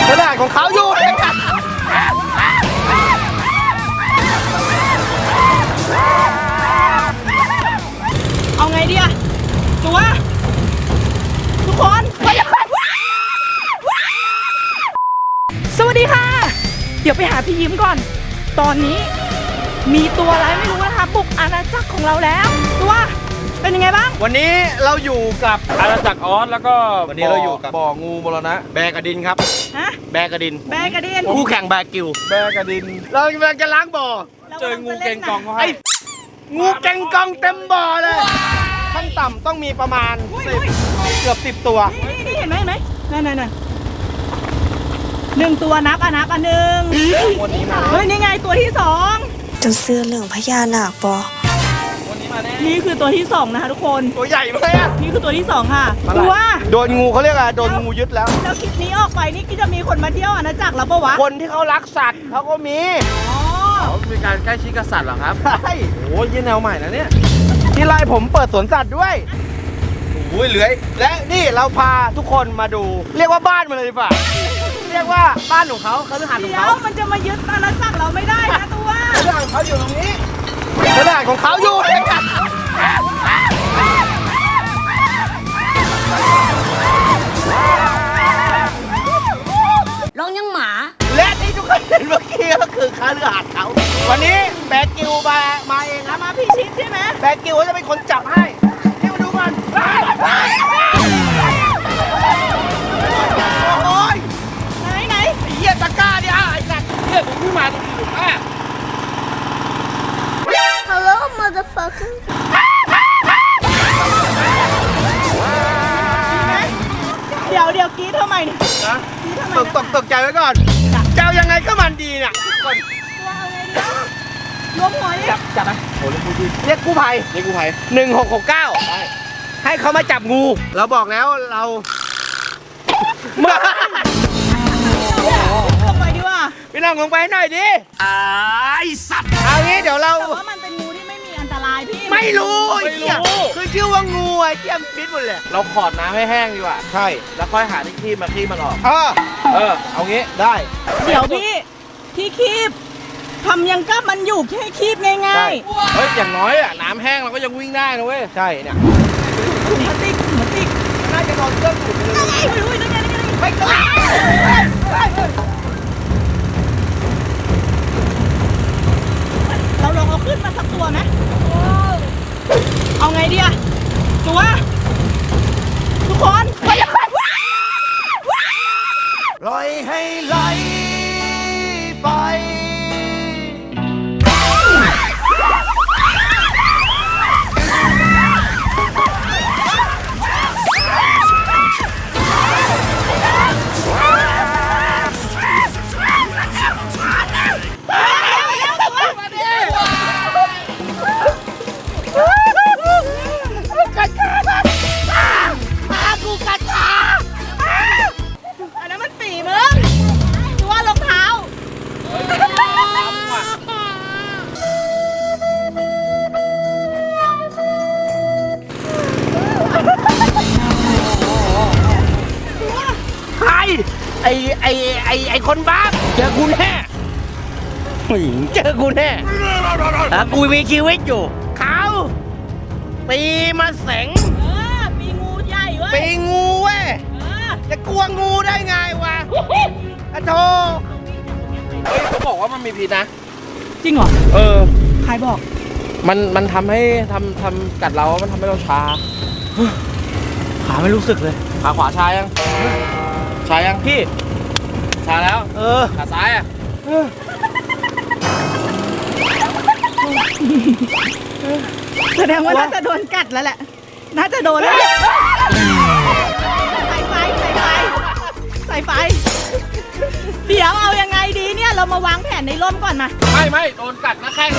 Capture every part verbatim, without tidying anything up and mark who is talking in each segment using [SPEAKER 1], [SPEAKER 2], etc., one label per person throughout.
[SPEAKER 1] ขนาดของเขาอยู่
[SPEAKER 2] เอาไงดีอะจูว่าทุกคนสวัสดีค่ะเดี๋ยวไปหาพี่ยิ้มก่อนตอนนี้มีตัวอะไรไม่รู้นะคะบุกอาณาจักรของเราแล้วตัวเป็นยังไงบ้าง
[SPEAKER 1] วันนี้เราอยู่กับ
[SPEAKER 3] อาณาจักรออสแล้วก็
[SPEAKER 1] วันนี้เราอยู่กับ
[SPEAKER 3] บ่องูมรณะ
[SPEAKER 1] แบกระดินครับ
[SPEAKER 2] ฮะ
[SPEAKER 1] แบกระดิน
[SPEAKER 2] แบกระดิน
[SPEAKER 1] คู่แข่งแบกิว
[SPEAKER 3] แบกระดิน
[SPEAKER 1] เรากำลังจะล้างบ่อ
[SPEAKER 3] เจองูเก่งกองเขาให้
[SPEAKER 1] งูเก่งกองเต็มบ่อเลยขั้นต่ำต้องมีประมาณสิบเกือบสิบตัว
[SPEAKER 2] นี่นี่เห็นไหมเห็นไหมนั่นนั่นนั่นหนึ่งตัวนับอ่ะนับอ่ะหนึ่ง
[SPEAKER 1] วันนี้มา
[SPEAKER 2] เฮ้ยนี่ไงตัวที่สอง
[SPEAKER 4] จะเสื้อเหลืองพญานาคปอ
[SPEAKER 3] วันนี้มาแน่
[SPEAKER 2] นี่คือตัวที่สองนะคะทุกคน
[SPEAKER 1] ตัวใหญ่ไหมอ่ะ
[SPEAKER 2] นี่คือตัวที่สองค่ะตัว
[SPEAKER 1] โดนงูเขาเรียกอะไรโดนงูยึดแล้ว
[SPEAKER 2] แล้วคลิปนี้ออกไปนี่ก็จะมีคนมาเที่ยวอาณาจักรแล้วปะวะ
[SPEAKER 1] คนที่เขารักสัตว์เขาก็มี
[SPEAKER 2] อ๋อ
[SPEAKER 3] มีการใกล้ชิดกับสัตว์เหรอครับ
[SPEAKER 1] ใช่โอ้ยยี่แนวใหม่นะเนี่ยที่ไล่ผมเปิดสวนสัตว์ด้วยโอ้ยเหลือยและนี่เราพาทุกคนมาดูเรียกว่าบ้านมันเลยดีกว่าเรียกว่าบ้านของเขาเขาจะหันของเขา
[SPEAKER 2] เดี๋ยวมันจะมายึดอาณาจักรเราไม่ได้นะตัว
[SPEAKER 1] ขนาดของเขาอยู่ตรงนี้ขนาดของเขาอยู่
[SPEAKER 2] ลองยังหมา
[SPEAKER 1] และที่ทุกคนเห็นเมื่อกี้ก็คือคาเรือหาดเขาวันนี้แบกิวมามาเองครับ
[SPEAKER 2] มาพี่ชิดใช่ไหม
[SPEAKER 1] แบกิวจะเป็นคนจับให้นี่มาดูมันโอ้ย
[SPEAKER 2] ไหนไหน
[SPEAKER 1] ไอ้เหี้ยตะก้าเนี่ยไอ้สัตว์
[SPEAKER 3] เฮ้ยผมเพิ่งมาตรงนี้ถูกป่ะ
[SPEAKER 4] Hello motherfucker
[SPEAKER 2] เดี๋ยวเดี๋ยวกรี๊ดทำไมเนี่ย
[SPEAKER 1] นะตกตกตกใจไว้ก่อนเจ้ายังไงก็มันดีเนี่ยก่อน
[SPEAKER 2] ตัวเอาไงดีรวมหัวดิ
[SPEAKER 1] จับจับไหมโอ้เรียกกู้ภัยเรียกกู้ภัย
[SPEAKER 3] นี่กูภัย
[SPEAKER 1] หนึ่งหกหกเก้าให้เขามาจับงูเราบอกแล้วเราเมื่อ
[SPEAKER 2] ลงไปดีว่า
[SPEAKER 1] พี่น้องลงไปหน่อยดิไอ้สัตว์เอางี้เดี๋ยวเรา
[SPEAKER 2] แต่ว่ามันเป็นงูที่ไม่มีอันตรายพี่
[SPEAKER 1] ไม่รู้ไม่รู้คือชื่อว่างูไอ้เทียมพิษหมดเลย
[SPEAKER 3] เราขอดน้ำให้แห้งดีกว่า
[SPEAKER 1] ใช่
[SPEAKER 3] แล้วค่อยหาที่คีบมาคีบมันออก
[SPEAKER 1] เออ
[SPEAKER 3] เออเอางี้
[SPEAKER 1] ได้
[SPEAKER 2] เดี๋ยวพี่ที่คีบทำยังกับมันอยู่แค่คีบง่าย
[SPEAKER 3] ๆเฮ้ยอย่างน้อยอ่ะน้ำแห้งเราก็ยังวิ่งได้นะเว้ย
[SPEAKER 1] ใช่เนี่ย
[SPEAKER 2] มาติ๊กมาติ๊ก
[SPEAKER 1] น่าจะนอนเครื่องขุดเลย
[SPEAKER 2] ไม่รู้นั่นไงนั่นไง
[SPEAKER 1] ไม่ต้อง
[SPEAKER 2] เราลองเอาขึ้นมาสักตัวไหมเอาไงดีอะจูว่าทุกคนไป
[SPEAKER 1] ปล่อยให้ไหลไปไอไอไอไอคนบ้าเจอกูแน่เจอกูแน่ถ้ากูมีชีวิตอยู่เขาปีมาแสง
[SPEAKER 2] เออปีงูใหญ่เว้ย
[SPEAKER 1] ปีงูเว้ยจะกลัวงูได้ไงวะอะโธ่
[SPEAKER 3] เฮ้ยเขาบอกว่ามันมีพิษนะ
[SPEAKER 2] จริงเหรอ
[SPEAKER 3] เออ
[SPEAKER 2] ใครบอก
[SPEAKER 3] มันมันทำให้ทำทำกัดเรามันทำให้เราชา
[SPEAKER 1] ขาไม่รู้สึกเลย
[SPEAKER 3] ขาขวาชายังชายังพี่ชาแล้ว
[SPEAKER 1] เออ
[SPEAKER 3] ขาซ้ายอ่ะ
[SPEAKER 2] แสดงว่าน่าจะโดนกัดแล้วแหละน่าจะโดนแล้วใส่ไฟใส่ไฟใส่ไฟเดี๋ยวเอายังไงดีเนี่ยเรามาวางแผนในร่มก่อนนะ
[SPEAKER 3] ไม่ไม่โดนกัดนะแข้ง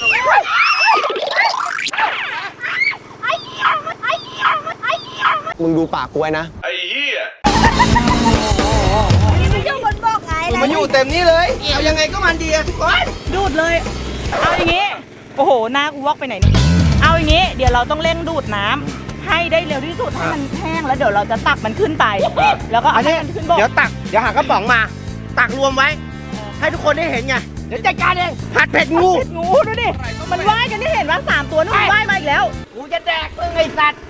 [SPEAKER 1] มึงดูปากกูไว้นะ
[SPEAKER 3] ไอ้เหี้ย
[SPEAKER 2] มันอยู่บนบอกไง
[SPEAKER 1] มันอยู่เต็มนี้เลยเอายังไงก็มันดีอะทุกคน
[SPEAKER 2] ดูดเลยเอาอย่างงี้โอ้โหหน้ากูวอกไปไหนเนี่ยเอาอย่างงี้เดี๋ยวเราต้องเร่งดูดน้ำให้ได้เร็วที่สุดให้มันแห้งแล้วเดี๋ยวเราจะตักมันขึ้นไป แล้วก็
[SPEAKER 1] อั
[SPEAKER 2] เอา
[SPEAKER 1] น
[SPEAKER 2] ให้
[SPEAKER 1] นี้
[SPEAKER 2] มันขึ้นบก
[SPEAKER 1] เดี๋ยวตักเดี๋ยวหากระป๋องมา ตักรวมไว้ ให้ทุกคนได้เห็นไงเดี๋ยวจัดการเองผัดเผ็ดงู
[SPEAKER 2] เผ็ดงูดูดิมันว่ายกันที่เห็นว่าสามตัวนู่นว่ายมาอีกแล้ว
[SPEAKER 1] กูจะแดกมึงไอ้สัตว์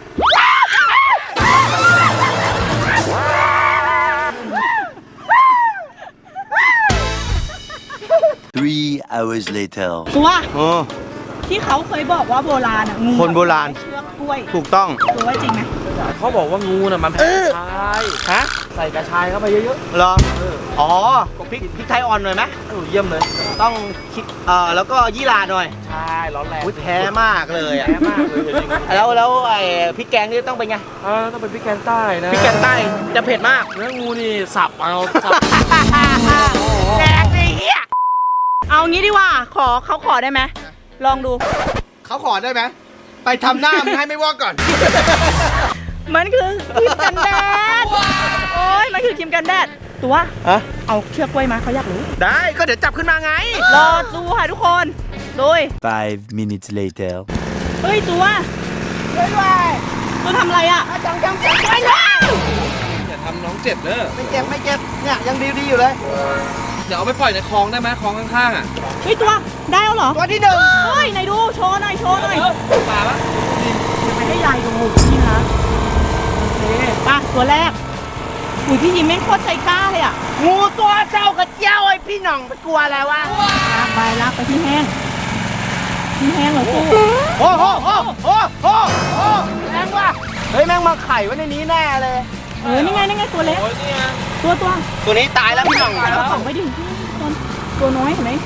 [SPEAKER 5] Three hours later.
[SPEAKER 2] ตัว
[SPEAKER 1] โอ้
[SPEAKER 2] ที่เขาเคยบอกว่าโบราณอ่ะงู
[SPEAKER 1] คนโบราณ
[SPEAKER 2] เชือกกล้วย
[SPEAKER 1] ถูกต้อง
[SPEAKER 2] ตัวว่าจริงไหม
[SPEAKER 3] เขาบอกว่างูน่ะมันแพ้กระชาย
[SPEAKER 1] ฮะ
[SPEAKER 3] ใส่กระชายเข้าไปเยอะ
[SPEAKER 1] เหรออ๋อพริกพริกไทยอ่อนหน่อยไหม
[SPEAKER 3] ๆเออเยี่ยมเลย
[SPEAKER 1] ต้องคิดเอ่อแล้วก็ยี่หร่าหน่อย
[SPEAKER 3] ใช่ร้อนแรง
[SPEAKER 1] อุ้ยแพ้มากเลยอ่ะ
[SPEAKER 3] แพ้มากเลยจริง
[SPEAKER 1] แล้วแล้วไอ้พริกแกงนี่ต้องเป็นไง
[SPEAKER 3] ๆเออต้องเป็นพริกแกงใต้นะ
[SPEAKER 1] พริกแกงใต้จะเผ็ดมาก
[SPEAKER 3] เนื้องูนี่สับเอาสับ
[SPEAKER 1] แดกดิเฮีย
[SPEAKER 2] เอางี้ดีกว่าขอเขาขอได้ไหมลองดู
[SPEAKER 1] เขาขอได้ไหมไปทำหน้ามึงให้ไม่วอกก่อน
[SPEAKER 2] มันคือครีมกันแดดโอ้ยมันคือครีมกันแดดตัว
[SPEAKER 1] ฮะ
[SPEAKER 2] เอาเชือกกล้วยมาเขาอยากรู้
[SPEAKER 1] ได้ก็เดี๋ยวจับขึ้นมาไง
[SPEAKER 2] รอดูค่ะทุกคนดู
[SPEAKER 5] Five minutes later.
[SPEAKER 2] เฮ้ยตัวช่วยด้วยตัวทำอะไรอ่ะจังจังจังช่วยด้วย
[SPEAKER 3] อย่าทำน้องเจ็บเด้อ
[SPEAKER 1] ไม่เจ็บไม่เจ็บเนี่ยยังดีดีๆอยู่เลย
[SPEAKER 3] เดี๋ยวเอาไปปล่อยในคลองได้ไหมคลองข้างๆอ่ะ
[SPEAKER 2] เฮ้ยตัวได้แล้วเหรอ
[SPEAKER 1] ตัวที่หนึ่ง
[SPEAKER 2] เฮ้ยไหนดูโชว์หน่อยโชว์หน่อย
[SPEAKER 3] ป่าปะ
[SPEAKER 2] จะไปให้ยายดูนี่นะโอเคป่ะตัวแรกอุ้ยพี่ยิ้มแม่งโคตรใจกล้าเลยอ่ะ
[SPEAKER 1] งูตัวเจ้ากระเจ้าไอ้พี่หน่องไปกลัวอะไรวะ
[SPEAKER 2] ลากไปลากไปที่แห้งที่แห้งเหรอสู้
[SPEAKER 1] โอ้โหโอ้โหโอ้โหโอ้แรงว่ะเฮ้ยแม่งมาไข่ไว้ในนี้แน่เลย
[SPEAKER 2] เออนี่ไงนี่ไงตัวเล็ก
[SPEAKER 3] โอ้ยนี่ไง
[SPEAKER 2] ตัวตัว
[SPEAKER 1] ตัวนี้ตายแล้วพี่หน่อง
[SPEAKER 2] ใส่กระป๋องไปดิตัวตัวน้อยเห็นไหม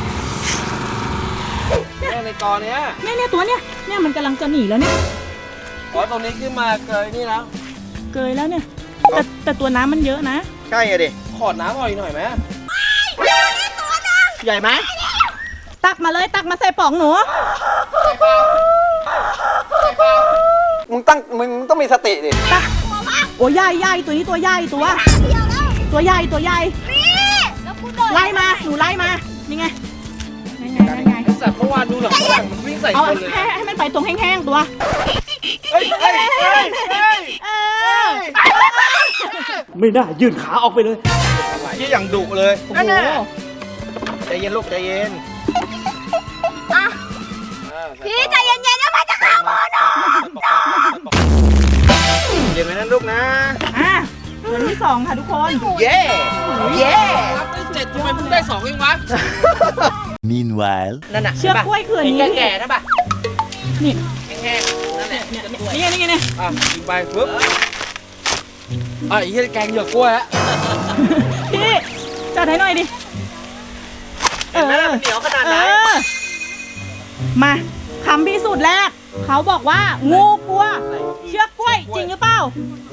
[SPEAKER 3] เนี่ยในกอเนี้ย
[SPEAKER 2] เนี่ยเนี่ยตัวเนี่ยเนี่ยมันกำลังจะหนีแล้วเนี่ย
[SPEAKER 3] อ๋อตรงนี้ขึ้นมาเคยนี่แล้ว
[SPEAKER 2] เกยแล้วเนี่ยแต่แต่ตัวน้ำมันเยอะนะ
[SPEAKER 1] ใช่อะดิ
[SPEAKER 3] ขอดน้ำหน่อยหน่อยไหม
[SPEAKER 1] ใหญ่ไหม
[SPEAKER 2] ตักมาเลยตักมาใส่ป๋องหนู
[SPEAKER 1] มึงตั้งมึงต้องมีสติดิ
[SPEAKER 2] ตักโอ้ยใหญ่ใหญ่ตัวนี้ตัวใหญ่ตัว ตัวใหญ่ตัวใหญ่ไล่มาหนูไล่มานี่ไงนี่ไงนี่ไง
[SPEAKER 3] ไอ้สัตว์เมื่อวานดูหลังฝรั่งมันวิ่งใส่
[SPEAKER 2] เอา
[SPEAKER 3] คนเลย
[SPEAKER 2] ให้ให้มันไปตรงแห้งๆตัว
[SPEAKER 1] เฮ้ยเฮ้ยเฮ้ยเฮ้ย
[SPEAKER 2] เออ
[SPEAKER 3] ไม่น่ายื่นขาออกไปเลย
[SPEAKER 1] ที่อย่างดุเลย
[SPEAKER 2] โอ้
[SPEAKER 1] นั่น
[SPEAKER 2] โห
[SPEAKER 1] น่ะใจเย็นลูกใจเย็น
[SPEAKER 4] พี่ใจเย็นๆนะมันจะเข้ามือหนู
[SPEAKER 1] เย็นไหมนั่นลูกนะ
[SPEAKER 2] อ่ะตัวที่สองค่ะทุกคน
[SPEAKER 1] เย่เย่
[SPEAKER 3] รับได้เจ็ดทำไมเพิ่งได้สองเองวะ
[SPEAKER 5] Meanwhile.
[SPEAKER 1] นั่นน่ะ
[SPEAKER 2] เชือกกล้วยคืออันนี้
[SPEAKER 1] แก่ๆนะป่ะ
[SPEAKER 2] นี่
[SPEAKER 1] แห้งๆนั่นแหละ
[SPEAKER 2] เนี่ยนี่ไงนี่ไงนี่
[SPEAKER 3] อ่ะยิงไปปึ๊บอ่ะไอ้เหี้ยแกงเหยือกกล้วยฮะ
[SPEAKER 2] พี่จัดให้หน่อยดิ
[SPEAKER 1] เห็นไหมล่ะมันเหนียวขนาดไหน
[SPEAKER 2] เออมาคำพิสูจน์แรก เขาบอกว่างูกลัว เชือกกล้วยจริงหรือเปล่า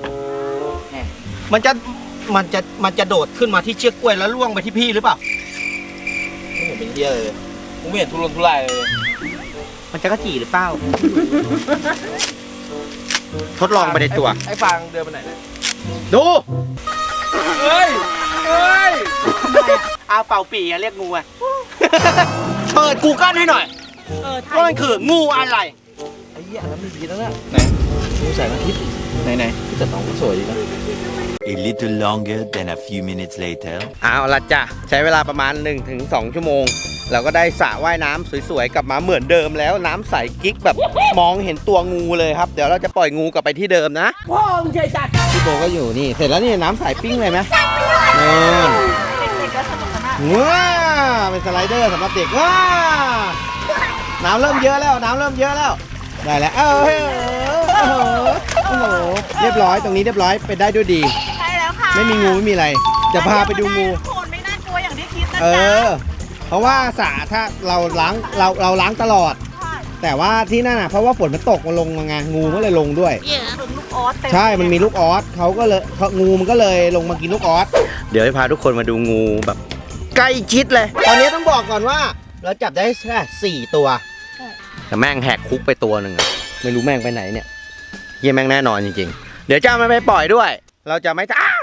[SPEAKER 1] มันจะมันจะมันจะโดดขึ้นมาที่เชือกกล้วยแล้วล่วงไปที่พี่หรือเปล่า
[SPEAKER 3] ไม่เห็นเป็นเหี้ยเลยกูไม่เห็นทุรนทุรายเลย
[SPEAKER 1] มันจะกระจีหรือเปล่า ทดลองไปในตัว
[SPEAKER 3] ไอ้ฟางเดินไปไหนเนี่ย
[SPEAKER 1] ดู
[SPEAKER 3] เฮ้ย เฮ้ย
[SPEAKER 1] อาเป่าปีอะเรียกงูอะ เปิดกูเกิลให้หน่อย
[SPEAKER 2] เออไท
[SPEAKER 1] ว่ามันคืองูอะไร
[SPEAKER 3] ไอ้เหี้ยอันนั้นมีพีแล้วนะไหนงูแสงอาทิตย์ไหนไหนที่จัดน้องก็สวยดีนะ
[SPEAKER 5] A little longer than a few minutes later.
[SPEAKER 1] เอาละจ้ะใช้เวลาประมาณ หนึ่งถึงสอง ชั่วโมง เราก็ได้สระว่ายน้ำสวยๆกลับมาเหมือนเดิมแล้วน้ำใสกิ๊กแบบมองเห็นตัวงูเลยครับ เดี๋ยวเราจะปล่อยงูกลับไปที่เดิมนะ
[SPEAKER 2] พ่อมึงเฉยจัด
[SPEAKER 1] พี่โบก็อยู่นี่ เสร็จแล้วนี่น้ำใสปิ้งเลยไหมนู่น
[SPEAKER 2] เด็กๆก็สนุกสนาน
[SPEAKER 1] ว้าเป็นสไลเดอร์สำหรับเด็กว้าน้ำเริ่มเยอะแล้วน้ำเริ่มเยอะแล้วได้แล้วเออเออโอ้โหโอ้โหเรียบร้อยตรงนี้เรียบร้อยไปได้ด้วยดี
[SPEAKER 2] ใช่แล้วค่ะ
[SPEAKER 1] ไม่มีงูไม่มีอะไรจะพาไปดูงู
[SPEAKER 2] ทุกคนไม่น่ากลัวอย่างที่คิดนะ
[SPEAKER 1] เอ
[SPEAKER 2] จ๊ะ
[SPEAKER 1] อ เพราะว่าสระถ้าเราล้างเราเราล้างตลอด แต่ว่าที่นั่นอ่ะเพราะว่าฝนมันตกมาลงมาไงงูก็เลยลงด้วย
[SPEAKER 2] เป็นลูกออสเต็ม
[SPEAKER 1] ใช่มันมีลูกออสเขาก็เลยเขางูมันก็เลยลงมากินลูกออสเดี๋ยวให้พาทุกคนมาดูงูแบบใกล้ชิดเลย ตอนนี้ต้องบอกก่อนว่า เราจับได้แค่สี่ตัวแต่แม่งแหกคุกไปตัวหนึ่งอะไม่รู้แม่งไปไหนเนี่ยเยี่ยแม่งแน่นอนจริงๆเดี๋ยวจะเอามันไปปล่อยด้วย เราจะไม่อ้า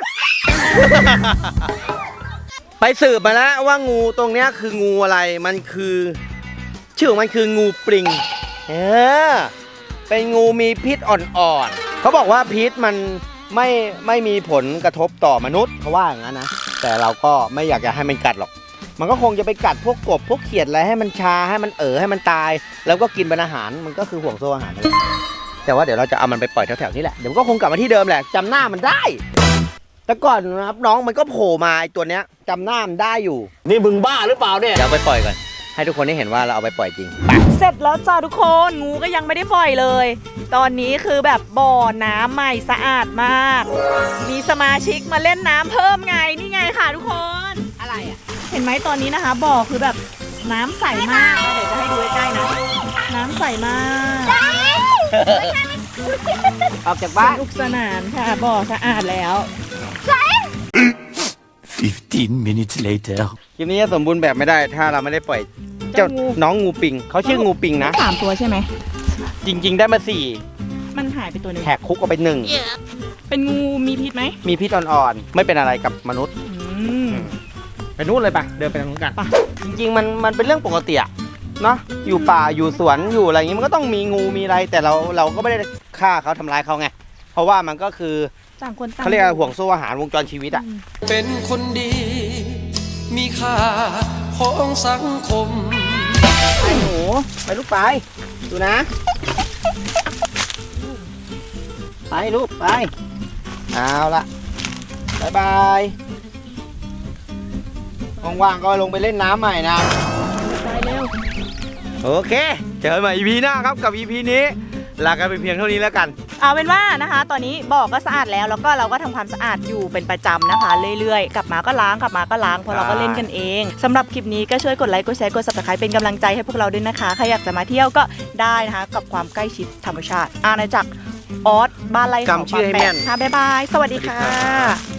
[SPEAKER 1] ไปสืบมาแล้วว่างูตรงเนี้ยคืองูอะไร มันคือชื่อของมันคืองูปริง เออเป็นงูมีพิษอ่อนๆเขาบอกว่าพิษมันไม่ไม่มีผลกระทบต่อมนุษย์เขาว่าอย่างนั้นนะแต่เราก็ไม่อยากจะให้มันกัดหรอกมันก็คงจะไปกัดพวกกบพวกเขียดอะไรให้มันชาให้มันเอ๋อให้มันตาย แล้วก็กินเป็นอาหารมันก็คือห่วงโซ่อาหารนั่นแหละแต่ว่าเดี๋ยวเราจะเอามันไปปล่อยแถวๆนี้แหละเดี๋ยวมันก็คงกลับมาที่เดิมแหละจำหน้ามันได้ แต่ก่อนนะครับน้องมันก็โผล่มาไอ้ตัวเนี้ยจำหน้ามันได้อยู่นี่มึงบ้าหรือเปล่าเนี่ยเดี๋ยวเอาไปปล่อยก่อนให้ทุกคนได้เห็นว่าเราเอาไปปล่อยจริง
[SPEAKER 2] เสร็จแล้วจ้าทุกคนงูก็ยังไม่ได้ปล่อยเลย ตอนนี้คือแบบบ่อน้ำใหม่สะอาดมาก มีสมาชิกมาเล่นน้ำเพิ่มไงนี่ไงค่ะทุกคนอะไรอ่ะเห็นไหมตอนนี้นะคะบ่อคือแบบน้ำใสมากเดี๋ยวจะให้ดูใกล้ๆนะน้ำใสมาก
[SPEAKER 1] ออกจากบ้าน
[SPEAKER 2] สนุกสนานค่ะบ่อสะอาดแล้ว
[SPEAKER 5] Fifteen minutes later.
[SPEAKER 1] คลิปนี้จะสมบูรณ์แบบไม่ได้ถ้าเราไม่ได้ปล่อยเจ้า
[SPEAKER 2] เจ้างู
[SPEAKER 1] น้องงูปิงเขาชื่องูปิงนะ
[SPEAKER 2] สามตัวใช่ไหม
[SPEAKER 1] จริง ๆ ได้มาสี่
[SPEAKER 2] มันหายไปตัวหนึง
[SPEAKER 1] แหกคุกเอาไปหนึ่ง
[SPEAKER 2] เป็นงูมีพิษไหม
[SPEAKER 1] มีพิษอ่อนๆไม่เป็นอะไรกับมนุษย์
[SPEAKER 2] อืม
[SPEAKER 1] ไปนู่นเลยปะเดินไปทางนู้นกัน
[SPEAKER 2] ไป
[SPEAKER 1] จริงๆมันมันเป็นเรื่องปกติอะเนาะอยู่ป่าอยู่สวนอยู่อะไรอย่างงี้มันก็ต้องมีงูมีอะไร แต่เราเราก็ไม่ได้ฆ่าเขาทำร้ายเขาไงเพราะว่ามันก็คือ
[SPEAKER 2] ต่างคนต่าง
[SPEAKER 1] เขาเรียกว่าห่วงโซ่อาหารวงจรชีวิตอะ
[SPEAKER 6] เป็นคนดี มีค่าของสังคม
[SPEAKER 1] ไปหนูไปลูกไปดูนะ ไปลูกไปเอาละบายบายว่างๆก็ลงไปเล่นน้ำใหม่นะ
[SPEAKER 2] ไปเร็ว
[SPEAKER 1] โอเค เจอกันใหม่ อี พี หน้าครับกับ อี พี นี้ลากันไปเพียงเท่านี้แล้วกัน
[SPEAKER 2] เอาเป็นว่านะคะ ตอนนี้บ่อก็สะอาดแล้วแล้วก็เราก็ทำความสะอาดอยู่เป็นประจำนะคะ เรื่อยๆ กลับมาก็ล้างกลับมาก็ล้างเพราะเราก็เล่นกันเองสำหรับคลิปนี้ก็ช่วยกดไลค์กดแชร์กด ซับสไครบ์ เป็นกำลังใจให้พวกเราด้วยนะคะใครอยากจะมาเที่ยวก็ได้นะคะกับความใกล้ชิดธรรมชาติอาณาจักรออสบ้านไร่เขา
[SPEAKER 1] จำชื่อให้แม่น
[SPEAKER 2] ค่ะบ๊ายบายสวัสดีค่ะ